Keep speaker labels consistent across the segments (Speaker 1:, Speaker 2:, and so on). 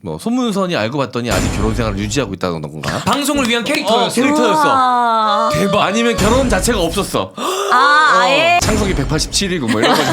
Speaker 1: 뭐 손문선이 알고 봤더니 아직 결혼 생활을 유지하고 있다는 건가?
Speaker 2: 방송을 위한 캐릭터였어.
Speaker 1: 캐릭터였어.
Speaker 2: 대박.
Speaker 1: 아니면 결혼 자체가 없었어.
Speaker 3: 아예.
Speaker 1: 창석이 187이고 뭐 이런 거죠.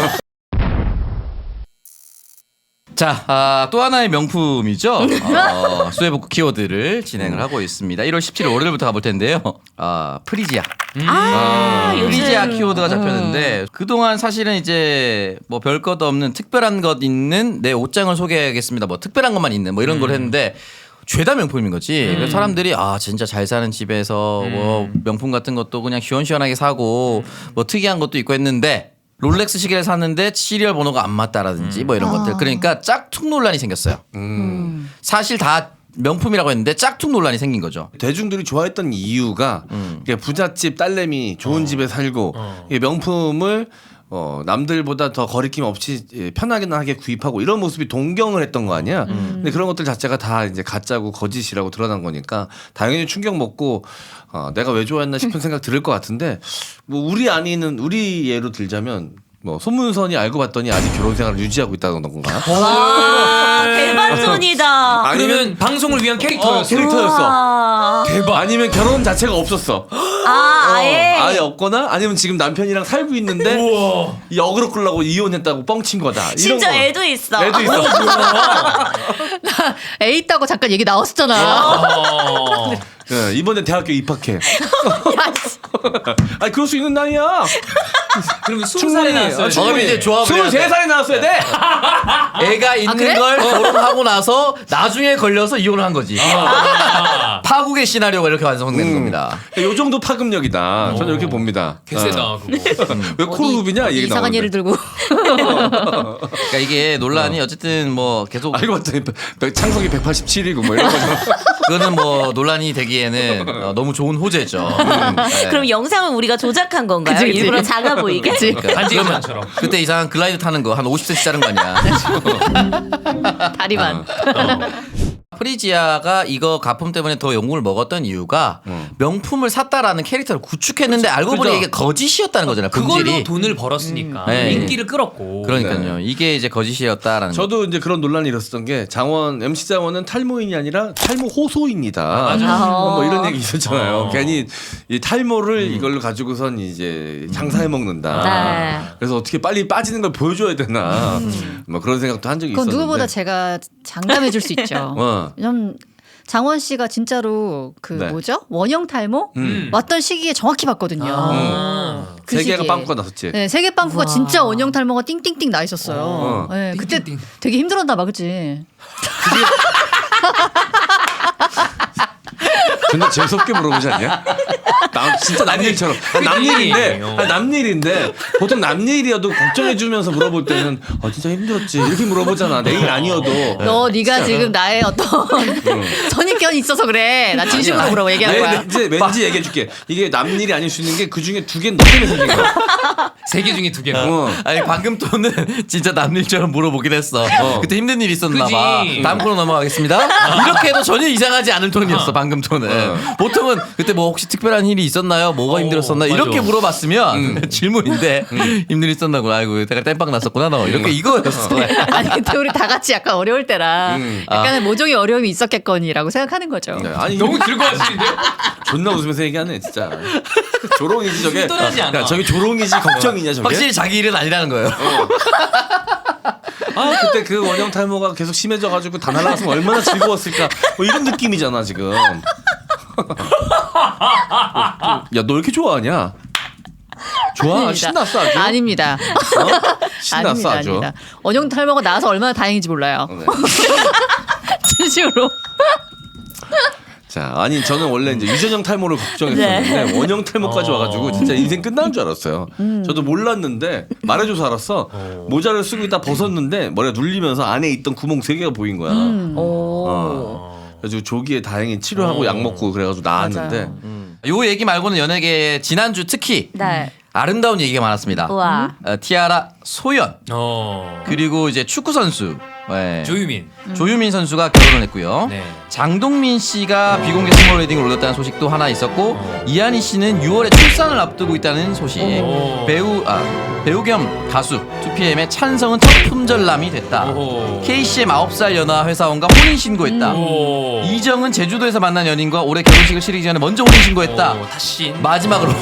Speaker 4: 자, 또 하나의 명품이죠. 수혜복구 키워드를 진행을 하고 있습니다. 1월 17일 월요일부터 가볼 텐데요. 프리지아. 프리지아 키워드가 잡혔는데 그동안 사실은 이제 뭐 별것 없는 특별한 것 있는 내 옷장을 소개하겠습니다. 뭐 특별한 것만 있는 뭐 이런 걸 했는데 죄다 명품인 거지. 그래서 사람들이 진짜 잘 사는 집에서 뭐 명품 같은 것도 그냥 시원시원하게 사고 뭐 특이한 것도 있고 했는데 롤렉스 시계를 샀는데 시리얼 번호가 안 맞다라든지 뭐 이런 것들. 그러니까 짝퉁 논란이 생겼어요. 사실 다 명품이라고 했는데 짝퉁 논란이 생긴 거죠.
Speaker 1: 대중들이 좋아했던 이유가 부잣집 딸내미 좋은 집에 살고 명품을 남들보다 더 거리낌 없이 편하게 구입하고 이런 모습이 동경을 했던 거 아니야. 근데 그런 것들 자체가 다 이제 가짜고 거짓이라고 드러난 거니까 당연히 충격 먹고 내가 왜 좋아했나 싶은 생각 들을 것 같은데 뭐 우리 예로 들자면 뭐 손문선이 알고 봤더니 아직 결혼 생활을 유지하고 있다는 건가?
Speaker 3: 와 대반전이다.
Speaker 2: 아니면 방송을 위한 캐릭터였어.
Speaker 1: 캐릭터였어.
Speaker 2: 대박.
Speaker 1: 아니면 결혼 자체가 없었어.
Speaker 3: 아예.
Speaker 1: 아예 없거나 아니면 지금 남편이랑 살고 있는데
Speaker 2: 우와.
Speaker 1: 역으로 끌라고 이혼했다고 뻥친 거다. 이런
Speaker 3: 진짜
Speaker 1: 거.
Speaker 3: 애도 있어.
Speaker 1: 애도 있어.
Speaker 5: 애 있다고 잠깐 얘기 나왔었잖아.
Speaker 1: 네, 이번에 대학교 입학해. 아니 그럴 수 있는 나이야.
Speaker 2: 그러면 20살에 나왔어요.
Speaker 4: 그럼 이제 조합을 해야 돼.
Speaker 1: 23살에 나왔어야 돼.
Speaker 4: 애가 있는
Speaker 5: 그래?
Speaker 4: 걸 결혼하고 나서 나중에 걸려서 이혼을 한 거지. 파국의 시나리오가 이렇게 완성되는 겁니다.
Speaker 1: 요 정도 파급력이다. 저는 이렇게 봅니다.
Speaker 2: 개세다 그거.
Speaker 1: 왜 코르룹이냐
Speaker 5: 어디
Speaker 1: 얘기
Speaker 5: 이상한
Speaker 1: 나오는데.
Speaker 5: 예를 들고.
Speaker 4: 그러니까 이게 논란이 어쨌든 뭐 계속
Speaker 1: 알고 봤더니 창석이 187이고 뭐 이런 거죠.
Speaker 4: 그거는 뭐 논란이 되기에는 너무 좋은 호재죠. 네.
Speaker 3: 그럼 영상을 우리가 조작한 건가요?
Speaker 5: 그치, 그치.
Speaker 3: 일부러 작아 보이게?
Speaker 2: 반지의장처럼.
Speaker 4: 그때 이상한 글라이드 타는 거 한 50cm 자른 거 아니야.
Speaker 5: 다리만.
Speaker 4: 프리지아가 이거 가품 때문에 더 욕을 먹었던 이유가 명품을 샀다라는 캐릭터를 구축했는데 알고 보니
Speaker 2: 그죠.
Speaker 4: 이게 거짓이었다는 거잖아요.
Speaker 2: 그걸로
Speaker 4: 본질이.
Speaker 2: 돈을 벌었으니까
Speaker 4: 네.
Speaker 2: 인기를 끌었고.
Speaker 4: 그러니까요. 이게 이제 거짓이었다라는 거.
Speaker 1: 저도 이제 그런 논란이 일었었던 게 MC 장원은 탈모인이 아니라 탈모 호소입니다. 뭐 이런 얘기 있었잖아요. 괜히 이 탈모를 이걸로 가지고선 이제 장사해 먹는다.
Speaker 3: 네.
Speaker 1: 그래서 어떻게 빨리 빠지는 걸 보여줘야 되나. 뭐 그런 생각도 한 적이
Speaker 5: 그건
Speaker 1: 있었는데.
Speaker 5: 누구보다 제가 장담해 줄 수 있죠. 왜냐면 장원 씨가 진짜로 그
Speaker 1: 네.
Speaker 5: 뭐죠? 원형 탈모 왔던 시기에 정확히 봤거든요. 그
Speaker 1: 세계가
Speaker 5: 시기에.
Speaker 1: 빵꾸가 났었지.
Speaker 5: 네, 세계 빵꾸가 진짜 원형 탈모가 띵띵띵 나 있었어요. 네, 그때
Speaker 2: 띵띵띵.
Speaker 5: 되게 힘들었나 봐, 그치?
Speaker 1: 근데 재수없게 물어보지 않냐? 진짜 남일처럼. 남일인데 보통 남일이어도 걱정해주면서 물어볼 때는 진짜 힘들었지 이렇게 물어보잖아. 내일 아니어도.
Speaker 5: 네가 지금 나의 어떤 선입견이 있어서 그래. 나 진심으로 물어봐 얘기할 거야.
Speaker 1: 이제 왠지 얘기해줄게. 이게 남일이 아닐 수 있는 게 그 중에 두 개는 너 때문에 생긴 거야.
Speaker 2: 3개 중에 2개는.
Speaker 4: 아니 방금 또는 진짜 남일처럼 물어보긴 했어. 그때 힘든 일이 있었나
Speaker 2: 그지.
Speaker 4: 봐. 다음 코너 넘어가겠습니다. 이렇게 해도 전혀 이상하지 않은 톤이었어 방금 톤은. 보통은 그때 뭐 혹시 특별한 일이 있었나요? 뭐가 힘들었었나?
Speaker 2: 맞아.
Speaker 4: 이렇게 물어봤으면 질문인데 힘든 일 있었나고 아이고 내가 땜빵 났었구나 너 이렇게 이거였어.
Speaker 5: 아니 근데 우리 다 같이 약간 어려울 때라 약간의 모종의 어려움이 있었겠거니라고 생각하는 거죠.
Speaker 1: 네, 아니
Speaker 2: 너무 즐거워하시는데요?
Speaker 1: 존나 웃으면서 얘기하네 진짜. 조롱이지 저게.
Speaker 2: 떠나지 않아.
Speaker 1: 야, 저게 조롱이지 걱정이냐 저게.
Speaker 4: 확실히 자기 일은 아니라는 거예요.
Speaker 1: 그때 그 원형 탈모가 계속 심해져가지고 다 날라갔으면 얼마나 즐거웠을까. 뭐 이런 느낌이잖아 지금. 야 너 이렇게 좋아하냐? 좋아?
Speaker 5: 아닙니다.
Speaker 1: 신났어 아주?
Speaker 5: 아닙니다.
Speaker 1: 신났어 아주?
Speaker 5: 아닙니다. 원형 탈모가 나와서 얼마나 다행인지 몰라요.
Speaker 1: 네.
Speaker 5: 진심으로.
Speaker 1: 자, 아니 저는 원래 이제 유전형 탈모를 걱정했었는데 원형 탈모까지 와가지고 진짜 인생 끝나는 줄 알았어요. 저도 몰랐는데 말해줘서 알았어. 모자를 쓰고 있다 벗었는데 머리가 눌리면서 안에 있던 구멍 3개가 보인 거야. 그래서 조기에 다행히 치료하고 약 먹고 그래가지고 나았는데
Speaker 4: 요 얘기 말고는 연예계 지난주 특히
Speaker 3: 네.
Speaker 4: 아름다운 얘기가 많았습니다.
Speaker 3: 우와.
Speaker 4: 티아라 소연
Speaker 2: 어.
Speaker 4: 그리고 이제 축구 선수
Speaker 2: 조유민.
Speaker 4: 조유민 선수가 결혼을 했고요.
Speaker 2: 네.
Speaker 4: 장동민 씨가 비공개 스몰 웨딩을 올렸다는 소식도 하나 있었고 이한희 씨는 6월에 출산을 앞두고 있다는 소식.
Speaker 2: 오.
Speaker 4: 배우 배우 겸 가수 2PM의 찬성은 첫 품절남이 됐다.
Speaker 2: 오호.
Speaker 4: KCM 9살 연하 회사원과 혼인신고했다.
Speaker 2: 오.
Speaker 4: 이정은 제주도에서 만난 연인과 올해 결혼식을 치르기 전에 먼저 혼인신고했다.
Speaker 2: 오, 다신.
Speaker 4: 마지막으로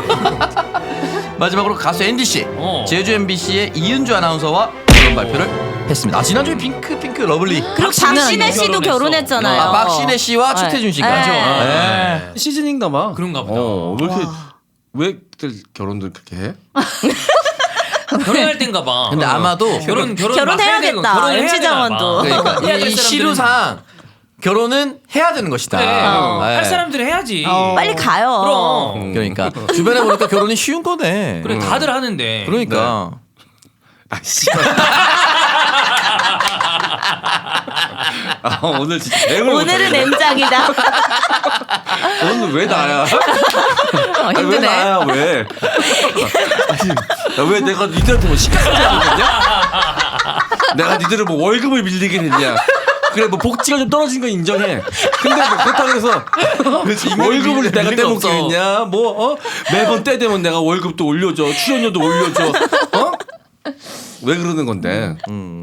Speaker 4: 가수 앤디 씨, 제주 MBC의 이은주 아나운서와 결혼 발표를 했습니다. 아, 지난주에 핑크 러블리.
Speaker 3: 그리고 박신혜 씨도 결혼했잖아요.
Speaker 4: 아, 박신혜 씨와 최태준 씨가.
Speaker 3: 네.
Speaker 1: 시즈닝가 봐.
Speaker 2: 그런가 보다.
Speaker 1: 왜 이렇게 왜들 결혼들 그렇게 해?
Speaker 2: 결혼할 땐가 봐.
Speaker 4: 근데 아마도
Speaker 3: 결혼해야겠다. MC 장원도.
Speaker 4: 그러니까 이 시류상 결혼은 해야 되는 것이다.
Speaker 2: 그래.
Speaker 4: 네.
Speaker 2: 할 사람들은 해야지.
Speaker 3: 빨리 가요.
Speaker 2: 그럼.
Speaker 4: 그러니까 주변에 보니까 결혼이 쉬운 거네.
Speaker 2: 그래 다들 하는데.
Speaker 4: 그러니까.
Speaker 1: 아씨. 아, 오늘 진짜
Speaker 3: 오늘은 M장이다.
Speaker 1: 오늘 왜 나야? 아니, 왜
Speaker 5: 힘드네.
Speaker 1: 나야 왜? 아니, 왜 내가 니들한테 뭐 시간을 하겠냐? 내가 니들을 뭐 월급을 밀리겠느냐? 그래 뭐 복지가 좀 떨어진 건 인정해. 근데 뭐 그렇다고 해서 월급을 내가 떼먹겠냐? 뭐 매번 때 되면 내가 월급도 올려줘, 출연료도 올려줘. 왜 그러는 건데?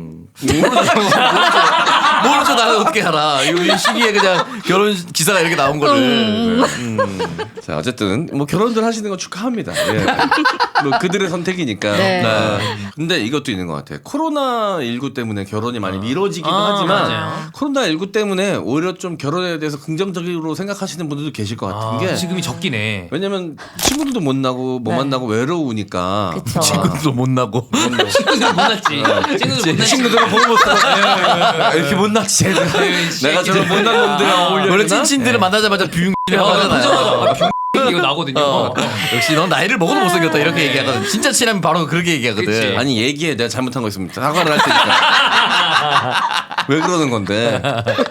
Speaker 4: 모르죠. 나는 어떻게 알아. 이 시기에 그냥 결혼 기사가 이렇게 나온 거를.
Speaker 1: 자 어쨌든 뭐 결혼들 하시는 거 축하합니다. 예. 뭐 그들의 선택이니까.
Speaker 5: 네.
Speaker 1: 근데 이것도 있는 것 같아요. 코로나 19 때문에 결혼이 많이 미뤄지기도 하지만
Speaker 2: 맞아요.
Speaker 1: 코로나 19 때문에 오히려 좀 결혼에 대해서 긍정적으로 생각하시는 분들도 계실 것 같은 게
Speaker 2: 지금이 적긴 해.
Speaker 1: 왜냐면 친구들도 못 나고 못 만나고 외로우니까.
Speaker 3: 그쵸.
Speaker 4: 친구도 못 나고.
Speaker 2: 친구들 못 났지. 친구들 못 났지.
Speaker 1: 친구들은 보고 못 살아. 이렇게 못 났지. 내가 저런 못난 놈들이랑 어울려.
Speaker 4: 원래 찐친들을 만나자마자 뷰 하잖아요.
Speaker 2: 이거 나거든요.
Speaker 4: 역시 넌 나이를 먹어도 못생겼다 이렇게 얘기하거든. 진짜 친하면 바로 그렇게 얘기하거든.
Speaker 2: 그치.
Speaker 1: 아니 얘기해 내가 잘못한 거 있으면 사과를 할 테니까. 왜 그러는 건데?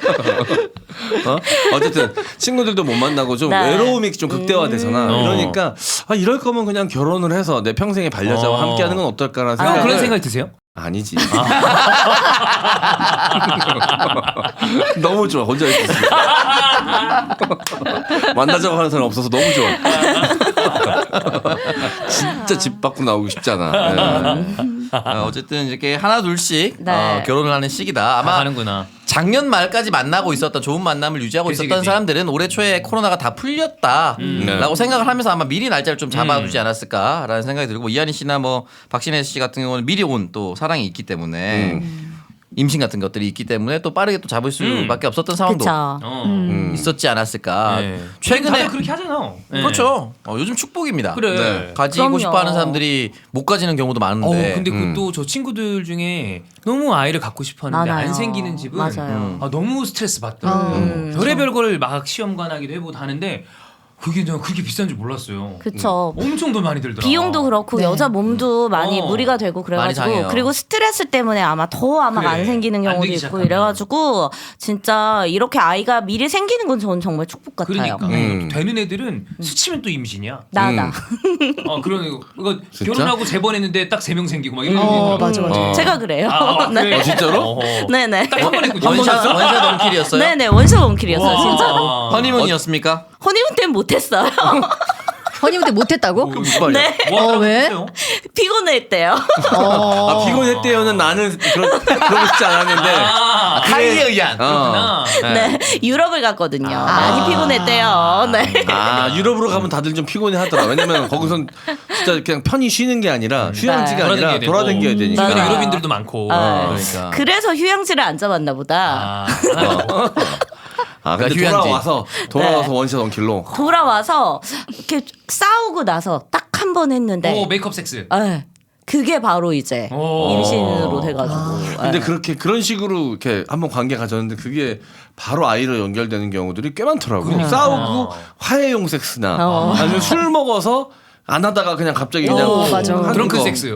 Speaker 1: 어쨌든 친구들도 못 만나고 좀
Speaker 3: 네.
Speaker 1: 외로움이 좀 극대화되잖아. 이러니까 이럴 거면 그냥 결혼을 해서 내 평생의 반려자와 함께하는 건 어떨까라는 생각.
Speaker 2: 그런 생각이 드세요?
Speaker 1: 아니지. 너무 좋아. 혼자 있을 수 있어. 만나자고 하는 사람 없어서 너무 좋아. 진짜 집 밖으로 나오기 쉽잖아.
Speaker 4: 어쨌든 이렇게 하나 둘씩
Speaker 3: 네.
Speaker 4: 결혼을 하는 시기다. 아마
Speaker 2: 가는구나.
Speaker 4: 작년 말까지 만나고 있었던 좋은 만남을 유지하고
Speaker 2: 그치,
Speaker 4: 있었던
Speaker 2: 그치.
Speaker 4: 사람들은 올해 초에 코로나가 다 풀렸다라고 생각을 하면서 아마 미리 날짜를 좀 잡아두지 않았을까라는 생각이 들고 이한희 씨나 뭐 박신혜 씨 같은 경우는 미리 온 또 사랑이 있기 때문에 임신 같은 것들이 있기 때문에 또 빠르게 또 잡을 수밖에 없었던 상황도
Speaker 3: 그쵸.
Speaker 4: 있었지 않았을까.
Speaker 2: 네.
Speaker 4: 최근에
Speaker 2: 다들 그렇게 하잖아. 네.
Speaker 4: 그렇죠. 요즘 축복입니다.
Speaker 2: 그래.
Speaker 1: 네.
Speaker 4: 가지고
Speaker 3: 그럼요.
Speaker 4: 싶어하는 사람들이 못 가지는 경우도 많은데.
Speaker 2: 근데 그 또 저 친구들 중에 너무 아이를 갖고 싶어하는데
Speaker 3: 많아요.
Speaker 2: 안 생기는 집은
Speaker 3: 맞아요.
Speaker 2: 너무 스트레스 받더라고요. 별의별 걸 막 시험관하기도 해보고 하는데 그게 내가 그렇게 비싼 줄 몰랐어요.
Speaker 3: 그쵸.
Speaker 2: 엄청 돈 많이 들더라.
Speaker 3: 비용도 그렇고
Speaker 5: 네.
Speaker 3: 여자 몸도 많이 무리가 되고
Speaker 4: 많이 상해요.
Speaker 3: 그래가지고 그리고 스트레스 때문에 아마
Speaker 2: 그래.
Speaker 3: 안 생기는
Speaker 2: 안
Speaker 3: 경우도
Speaker 2: 되기
Speaker 3: 있고
Speaker 2: 시작하면.
Speaker 3: 이래가지고 진짜 이렇게 아이가 미리 생기는 건 저는 정말 축복 같아요.
Speaker 2: 그러니까 되는 애들은 스치면 또 임신이야.
Speaker 3: 나다.
Speaker 2: 그런 이거
Speaker 1: 진짜?
Speaker 2: 결혼하고 재번했는데 딱 3명 생기고 막 이런 거.
Speaker 5: 맞아.
Speaker 3: 제가 그래요.
Speaker 2: 그래?
Speaker 1: 진짜로?
Speaker 3: 네네.
Speaker 2: 딱 한 번 했거든요.
Speaker 4: 원샷 원킬이었어요.
Speaker 3: 네네 원샷 원킬이었어요 진짜.
Speaker 4: 허니문이었습니까?
Speaker 3: 허니문 때는 못했어요.
Speaker 5: 허니문 때 못했다고?
Speaker 4: 무슨 말이야?
Speaker 3: 네.
Speaker 5: 왜?
Speaker 3: 피곤했대요.
Speaker 1: 피곤했대요는 나는 그러고 싶지 않았는데.
Speaker 4: 타이에 의한.
Speaker 2: 그렇구나.
Speaker 3: 네 유럽을 갔거든요. 많이 피곤했대요. 네.
Speaker 1: 유럽으로 가면 다들 좀 피곤해하더라. 왜냐면 거기선 진짜 그냥 편히 쉬는 게 아니라 휴양지가 아니라 돌아다녀야 되니까.
Speaker 2: 주변에
Speaker 3: 맞아요.
Speaker 2: 유럽인들도 많고.
Speaker 4: 그러니까.
Speaker 3: 그래서 휴양지를 안 잡았나 보다.
Speaker 1: 근데
Speaker 4: 휴양지.
Speaker 1: 돌아와서 원샷 원킬로.
Speaker 3: 돌아와서 이렇게 싸우고 나서 딱 한 번 했는데
Speaker 2: 오 메이크업 섹스.
Speaker 3: 그게 바로 이제
Speaker 2: 오.
Speaker 3: 임신으로 돼가지고.
Speaker 1: 근데 그런 식으로 이렇게 한번 관계 가졌는데 그게 바로 아이로 연결되는 경우들이 꽤 많더라고. 싸우고 화해용 섹스나 아니면 술 먹어서 안 하다가 그냥 갑자기 그냥
Speaker 5: 맞아.
Speaker 1: 하는
Speaker 2: 드렁큰
Speaker 1: 거.
Speaker 2: 섹스.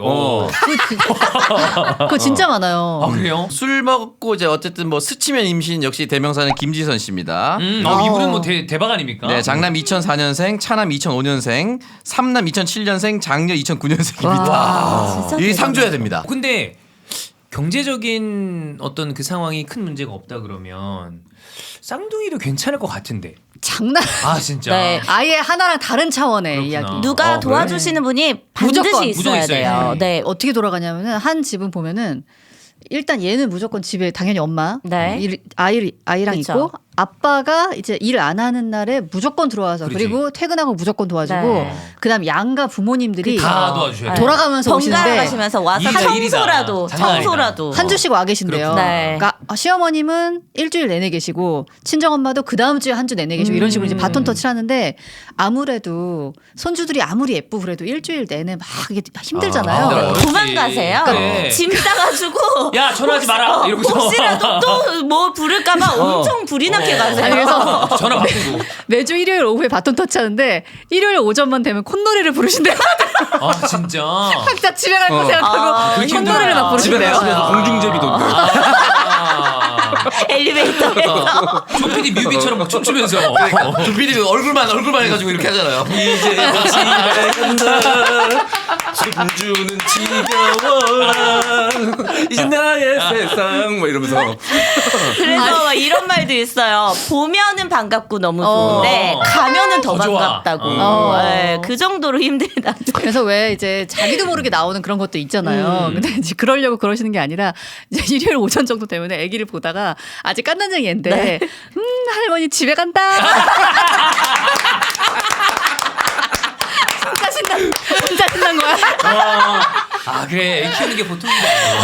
Speaker 5: 그거 진짜 많아요.
Speaker 2: 그래요?
Speaker 4: 술 먹고 이제 어쨌든 뭐 스치면 임신 역시 대명사는 김지선 씨입니다.
Speaker 2: 이분은 뭐 대박 아닙니까?
Speaker 4: 네, 장남 2004년생, 차남 2005년생, 삼남 2007년생, 장녀 2009년생입니다.
Speaker 3: 진짜
Speaker 4: 이
Speaker 3: 대단하다.
Speaker 4: 상줘야 됩니다.
Speaker 2: 근데 경제적인 어떤 그 상황이 큰 문제가 없다 그러면 쌍둥이도 괜찮을 것 같은데.
Speaker 5: 장난.
Speaker 2: 아 진짜.
Speaker 3: 네.
Speaker 5: 아예 하나랑 다른 차원의
Speaker 2: 그렇구나.
Speaker 5: 이야기.
Speaker 3: 누가
Speaker 2: 그래?
Speaker 3: 도와주시는 분이 반드시
Speaker 5: 무조건,
Speaker 3: 있어야
Speaker 2: 무조건
Speaker 3: 돼요.
Speaker 2: 있어야지.
Speaker 3: 네.
Speaker 5: 어떻게 돌아가냐면은 한 집은 보면은 일단 얘는 무조건 집에 당연히 엄마,
Speaker 3: 네.
Speaker 5: 아이랑
Speaker 3: 그쵸.
Speaker 5: 있고 아빠가 이제 일 안 하는 날에 무조건 들어와서
Speaker 2: 그렇지.
Speaker 5: 그리고 퇴근하고 무조건 도와주고
Speaker 3: 네.
Speaker 5: 그다음 양가 부모님들이
Speaker 2: 다 도와주셔야 돼.
Speaker 5: 돌아가면서
Speaker 3: 번갈아
Speaker 5: 오시는데
Speaker 3: 가시면서 와서
Speaker 2: 일이다, 일이다.
Speaker 3: 청소라도
Speaker 2: 장난 아니다.
Speaker 3: 청소라도
Speaker 5: 한 주씩 와 계신데요.
Speaker 2: 그렇구나.
Speaker 3: 네.
Speaker 5: 그러니까 시어머님은 일주일 내내 계시고 친정 엄마도 그 다음 주에 한 주 내내 계시고 이런 식으로 이제 바톤 터치를 하는데 아무래도 손주들이 아무리 예쁘고 그래도 일주일 내내 막 이게 힘들잖아요.
Speaker 2: 힘들어요.
Speaker 3: 도망가세요.
Speaker 2: 그래.
Speaker 3: 짐 싸가지고
Speaker 2: 야 전화하지 마라 이러고서.
Speaker 3: 혹시라도 또 뭐 부를까봐 엄청 불이 나게 가세요.
Speaker 5: 아니, 그래서
Speaker 2: 전화 바꾸고.
Speaker 5: 매주 일요일 오후에 바톤 터치하는데 일요일 오전만 되면 콧노래를 부르신대요.
Speaker 2: 아 진짜.
Speaker 5: 각자 집에 갈 거 생각하고
Speaker 2: 그렇게
Speaker 5: 콧노래를 막
Speaker 2: 힘들구나.
Speaker 1: 집에
Speaker 5: 부르신대요.
Speaker 1: 가시면서 공중제비 돈다.
Speaker 3: 엘리베이터에서
Speaker 2: 조피디 뮤비처럼 막 춤추면서.
Speaker 4: 조피디 얼굴만 해가지고 이렇게 하잖아요.
Speaker 1: 이제 집에 간다. 손주는 지겨워라. 이제 나의 세상 뭐 이러면서.
Speaker 3: 그래서 막 이런 말도 있어요. 보면은 반갑고 너무 좋은데 가면은 더
Speaker 2: 더 좋아.
Speaker 3: 반갑다고. 네, 그 정도로 힘들다.
Speaker 5: 그래서 왜 이제 자기도 모르게 나오는 그런 것도 있잖아요. 근데 이제 그러려고 그러시는 게 아니라 이제 일요일 오전 정도 되면 아기를 보다가 아직 깐난쟁이 애인데
Speaker 3: 네.
Speaker 5: 할머니 집에 간다. 진짜 신난 거야.
Speaker 2: 아 그래 애 키우는 게 보통이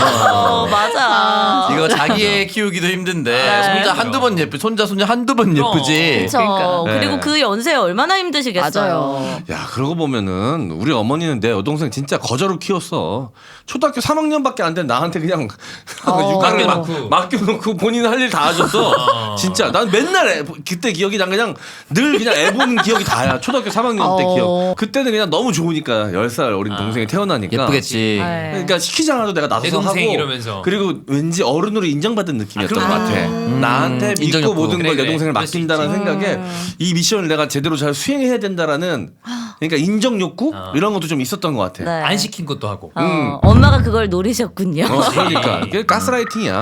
Speaker 3: 맞아.
Speaker 4: 이거 자기 애 키우기도 힘든데 손자 한두 번 손자 한두 번 예쁘지.
Speaker 3: 그렇죠.
Speaker 5: 그러니까.
Speaker 3: 그리고
Speaker 4: 네.
Speaker 3: 그 연세에 얼마나 힘드시겠어요.
Speaker 5: 맞아요.
Speaker 1: 야 그러고 보면은 우리 어머니는 내 여동생 진짜 거저로 키웠어. 초등학교 3학년밖에 안 된 나한테 그냥 육아를
Speaker 2: 맡겨놓고.
Speaker 1: 맡겨놓고 본인 할 일 다 하셨어. 진짜 난 맨날 그때 기억이 난 그냥 늘 그냥 애 보는 기억이 다야. 초등학교 3학년 때 기억. 그때는 그냥 너무 좋으니까 10살 어린 동생이 태어나니까
Speaker 4: 예쁘겠지.
Speaker 3: 네.
Speaker 1: 그러니까 시키지 않아도 내가 나서서
Speaker 2: 내 동생
Speaker 1: 하고
Speaker 2: 이러면서.
Speaker 1: 그리고 왠지 어른으로 인정받은 느낌이었던 것 같아. 나한테 믿고
Speaker 4: 인정욕구.
Speaker 1: 모든 걸 내
Speaker 2: 그래,
Speaker 1: 동생을
Speaker 2: 그럴 수
Speaker 1: 맡긴다는 생각에 이 미션을 내가 제대로 잘 수행해야 된다라는 그러니까 인정 욕구 이런 것도 좀 있었던 것 같아.
Speaker 3: 네.
Speaker 2: 안 시킨 것도 하고.
Speaker 3: 엄마가 그걸 노리셨군요.
Speaker 1: 그러니까 그게 가스라이팅이야.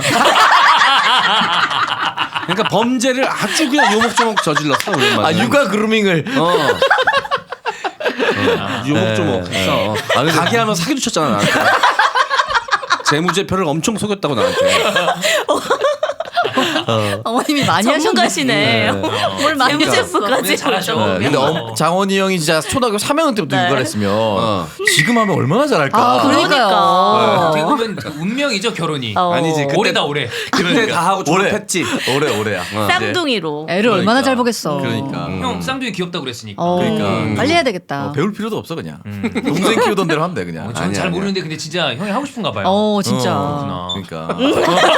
Speaker 1: 그러니까 범죄를 아주 그냥 요목조목 저질렀어.
Speaker 4: 아 육아 그루밍을.
Speaker 1: 요목조목 했어. 가게 하면 사기도 쳤잖아 나한테. 재무제표를 엄청 속였다고 나한테.
Speaker 5: 어머님이 많이 하셨네.
Speaker 3: 전문가시네. 뭘 많이
Speaker 2: 그러니까.
Speaker 3: 제프까지
Speaker 2: 잘하셔.
Speaker 4: 네, 근데 장원이 형이 진짜 초등학교 3학년 때부터
Speaker 3: 네.
Speaker 4: 육아를 했으면 지금 하면 얼마나 잘할까.
Speaker 5: 아, 그러니까요.
Speaker 2: 어떻게 보면 운명이죠 결혼이.
Speaker 1: 아니지 그때,
Speaker 2: 올해다 올해.
Speaker 1: 그때 다 하고 졸업했지.
Speaker 4: 올해야.
Speaker 3: 쌍둥이로.
Speaker 5: 애를 얼마나 잘 보겠어.
Speaker 4: 그러니까.
Speaker 2: 형 쌍둥이 귀엽다 그랬으니까.
Speaker 4: 그러니까.
Speaker 5: 빨리 해야 되겠다.
Speaker 4: 배울 필요도 없어 그냥. 동생 키우던 대로 하면 돼 그냥.
Speaker 2: 저는 잘 모르는데 근데 진짜 형이 하고 싶은가 봐요.
Speaker 5: 진짜.
Speaker 2: 그렇구나.
Speaker 4: 그러니까.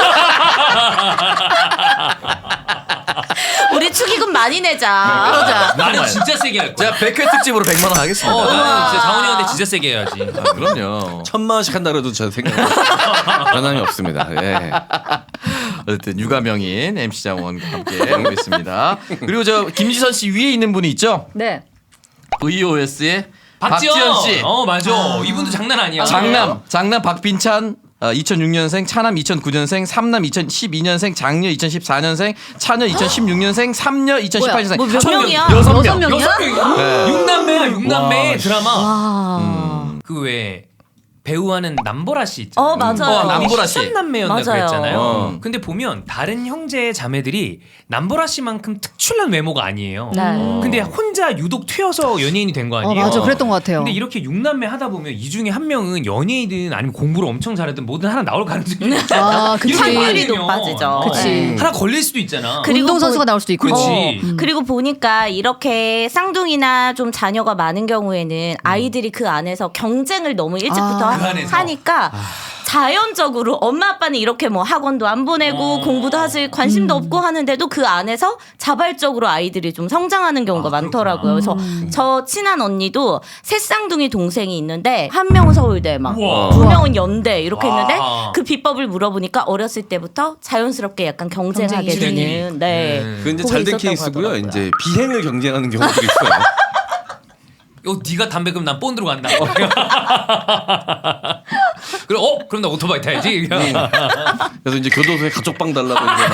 Speaker 3: 우리 축의금 많이 내자.
Speaker 5: 그러자.
Speaker 2: 나는 진짜 세게 할 거야.
Speaker 4: 제가 100회 특집으로 100만 원 하겠습니다.
Speaker 2: 나는 진짜 장원이 형한테 진짜 세게 해야지.
Speaker 4: 그럼요.
Speaker 1: 1,000만 원씩 한다 그래도 저 생각 변함이 없습니다. 예.
Speaker 4: 어쨌든 육아명인 MC 장원과 함께 하고 있습니다. 그리고 저 김지선 씨 위에 있는 분이 있죠?
Speaker 5: 네.
Speaker 4: VOS의
Speaker 2: 박지현
Speaker 4: 박지현 씨.
Speaker 2: 맞아. 이분도 장난 아니야.
Speaker 4: 장남 박빈찬 2006년생, 차남 2009년생, 삼남 2012년생, 장녀 2014년생, 차녀 2016년생, 삼녀 2018년생.
Speaker 3: 뭐 몇
Speaker 4: 총
Speaker 3: 명이야?
Speaker 4: 6명.
Speaker 5: 명이야?
Speaker 2: 여섯 명이야?
Speaker 4: 네.
Speaker 2: 육남매야 육남매 드라마.
Speaker 3: 와.
Speaker 2: 그 왜 배우하는 남보라 씨 있잖아요.
Speaker 3: 맞아요.
Speaker 4: 남보라 씨.
Speaker 2: 남매였나
Speaker 3: 맞아요.
Speaker 2: 그랬잖아요. 근데 보면 다른 형제 자매들이 남보라 씨만큼 특출난 외모가 아니에요.
Speaker 3: 네.
Speaker 2: 근데 혼자 유독 튀어서 연예인이 된 거 아니에요?
Speaker 5: 맞아. 그랬던 것 같아요.
Speaker 2: 근데 이렇게 육남매 하다 보면 이 중에 한 명은 연예인이든 아니면 공부를 엄청 잘하든 뭐든 하나 나올 가능성이 있잖아.
Speaker 5: 그치.
Speaker 3: 확률이 높아지죠.
Speaker 5: 그치.
Speaker 2: 하나 걸릴 수도 있잖아.
Speaker 3: 그리고
Speaker 5: 운동선수가 나올 수도 있고.
Speaker 2: 그렇지.
Speaker 3: 그리고 보니까 이렇게 쌍둥이나 좀 자녀가 많은 경우에는 아이들이 그 안에서 경쟁을 너무 일찍부터
Speaker 2: 그 안에서.
Speaker 3: 하니까 자연적으로 엄마 아빠는 이렇게 뭐 학원도 안 보내고 공부도 하실 관심도 없고 하는데도 그 안에서 자발적으로 아이들이 좀 성장하는 경우가 많더라고요. 그래서 저 친한 언니도 새 쌍둥이 동생이 있는데 한 명은 서울대 막
Speaker 2: 우와.
Speaker 3: 두 명은 연대 이렇게
Speaker 2: 와.
Speaker 3: 했는데 그 비법을 물어보니까 어렸을 때부터 자연스럽게 약간 경쟁하게
Speaker 5: 경쟁이
Speaker 3: 되는 네.
Speaker 1: 그 이제
Speaker 3: 그게
Speaker 1: 잘된
Speaker 3: 있었다고
Speaker 1: 케이스고요.
Speaker 3: 하더라고요.
Speaker 1: 이제 비행을 경쟁하는 경우들이 있어요.
Speaker 2: 네가 담배 그럼 난 본드로 간다. 그럼 그럼 나 오토바이 타야지.
Speaker 1: 그래서 이제 교도소에 가족방 달라고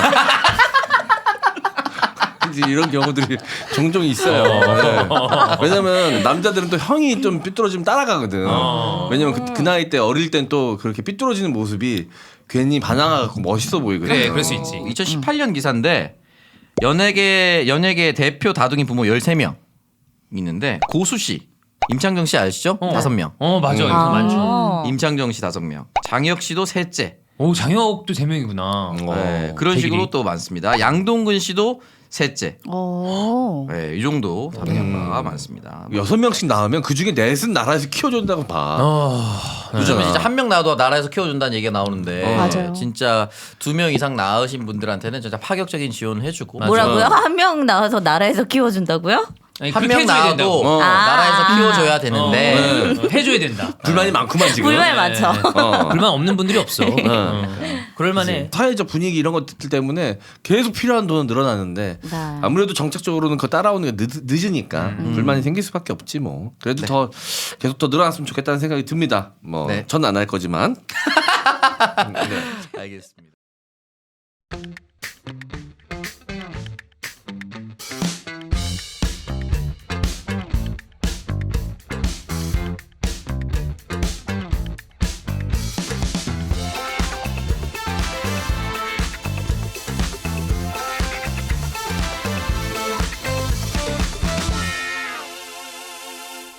Speaker 1: 이제 이런 경우들이 종종 있어요. 네. 왜냐면 남자들은 또 형이 좀 삐뚤어지면 따라가거든. 왜냐면 그 나이 때 어릴 땐 또 그렇게 삐뚤어지는 모습이 괜히 반항하고 멋있어 보이거든.
Speaker 2: 그래, 그럴 수 있지.
Speaker 4: 2018년 기사인데 연예계 대표 다둥이 부모 13명 있는데 고수 씨, 임창정 씨 아시죠? 5명.
Speaker 2: 맞아. 이거 많죠.
Speaker 4: 임창정 씨 5명. 장혁 씨도 셋째.
Speaker 2: 오, 장혁도 3명이구나.
Speaker 4: 네, 그런
Speaker 2: 대길이.
Speaker 4: 식으로 또 많습니다. 양동근 씨도 셋째. 네, 이 정도 다둥이 아빠가 많습니다.
Speaker 1: 6명씩 나오면 그 중에 넷은 나라에서 키워준다고 봐.
Speaker 4: 요즘은 진짜 한 명 낳아도 나라에서 키워준다는 얘기가 나오는데
Speaker 5: 맞아요.
Speaker 4: 진짜 2명 이상 낳으신 분들한테는 진짜 파격적인 지원을 해주고
Speaker 3: 뭐라고요? 한 명 나와서 나라에서 키워준다고요?
Speaker 2: 아니,
Speaker 4: 한
Speaker 2: 그렇게
Speaker 4: 명
Speaker 2: 해줘야
Speaker 4: 낳아도
Speaker 2: 된다고.
Speaker 4: 나라에서 키워줘야 되는데
Speaker 2: 해줘야 된다.
Speaker 1: 불만이 많구만 지금.
Speaker 3: 불만이 많죠.
Speaker 2: 불만 없는 분들이 없어. 그럴만해.
Speaker 1: 사회적 분위기 이런 것들 때문에 계속 필요한 돈은 늘어나는데
Speaker 3: 네.
Speaker 1: 아무래도 정책적으로는 그거 따라오는 게 늦으니까 불만이 생길 수밖에 없지 뭐. 그래도 더 계속 더 늘어났으면 좋겠다는 생각이 듭니다. 뭐
Speaker 4: 네.
Speaker 1: 전 안 할 거지만.
Speaker 4: 알겠습니다.